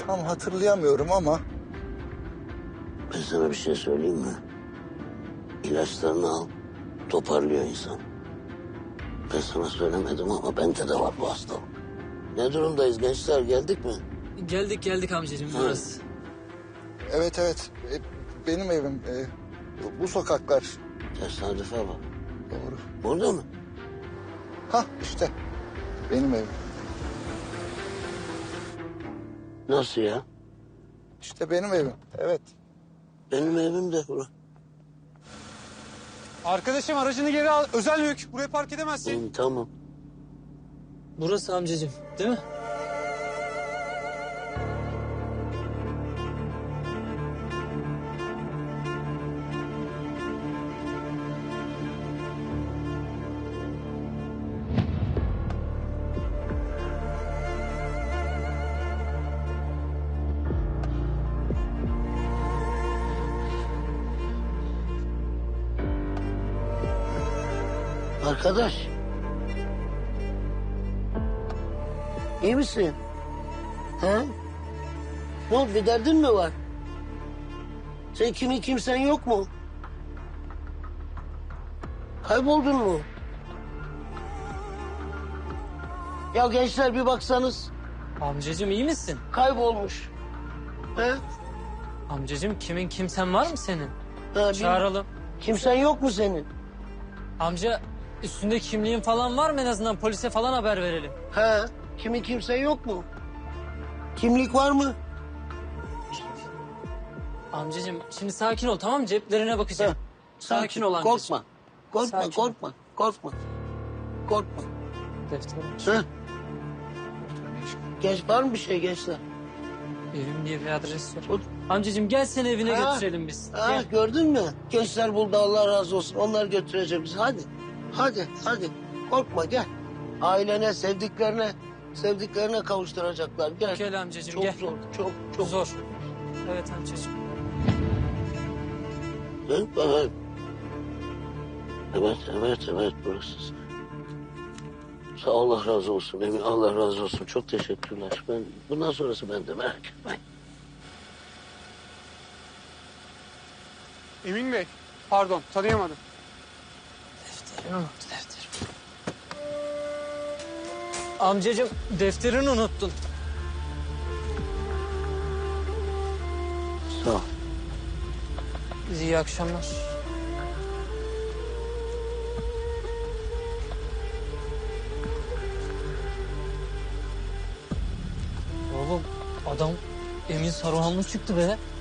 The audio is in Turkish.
tam hatırlayamıyorum ama... Ben sana bir şey söyleyeyim mi? İlaçlarını al, toparlıyor insan. Ben sana söylemedim ama bende de var bu hastalık. Ne durumdayız gençler, geldik mi? Geldik amcacığım burası. Evet, benim evim. Bu sokaklar. Tesadüfe bak. Doğru. Burada mı? Hah işte benim evim. Nasıl ya? İşte benim evim. Evet. Benim evim de bura. Arkadaşım aracını geri al. Özel mülk. Buraya park edemezsin. Tamam. Burası amcacığım değil mi? Arkadaş. İyi misin? Ha? Ne oldu, bir derdin mi var? Sen kimsen yok mu? Kayboldun mu? Ya gençler bir baksanız, Amcacığım iyi misin? kaybolmuş. Ha? Amcacığım kimsen var mı senin? Ha, Çağıralım. Kimsen yok mu senin? Amca üstünde kimliğin falan var mı, en azından polise falan haber verelim. Ha? Kimsen yok mu? Kimlik var mı? Amcacığım şimdi sakin ol, tamam mı? Ceplerine bakacağım. Ha, Sakin ol amcacığım. Korkma. Sakin ol. Korkma. Defterim. Ha? Genç var mı bir şey gençler? Evim diye bir adres var. Dur. Amcacığım gel seni evine Ha. götürelim biz. Ha, Gel. gördün mü? Gençler buldu, Allah razı olsun. Onlar götürecek bizi. Hadi. Korkma, gel. Ailene, sevdiklerine kavuşturacaklar. Gel. Gel amcacığım Çok gel. zor, çok Zor. Evet amcacığım. Evet, burası. Sağ ol, Allah razı olsun Emin, Allah razı olsun. Çok teşekkürler. Bundan sonrası bende, merak etmeyin. Emin Bey. Pardon, tanıyamadım. Defterini unuttu, defteri. Amcacığım defterini unuttun. Sağ ol. İyi akşamlar. Oğlum adam Emin Saruhanlı çıktı be.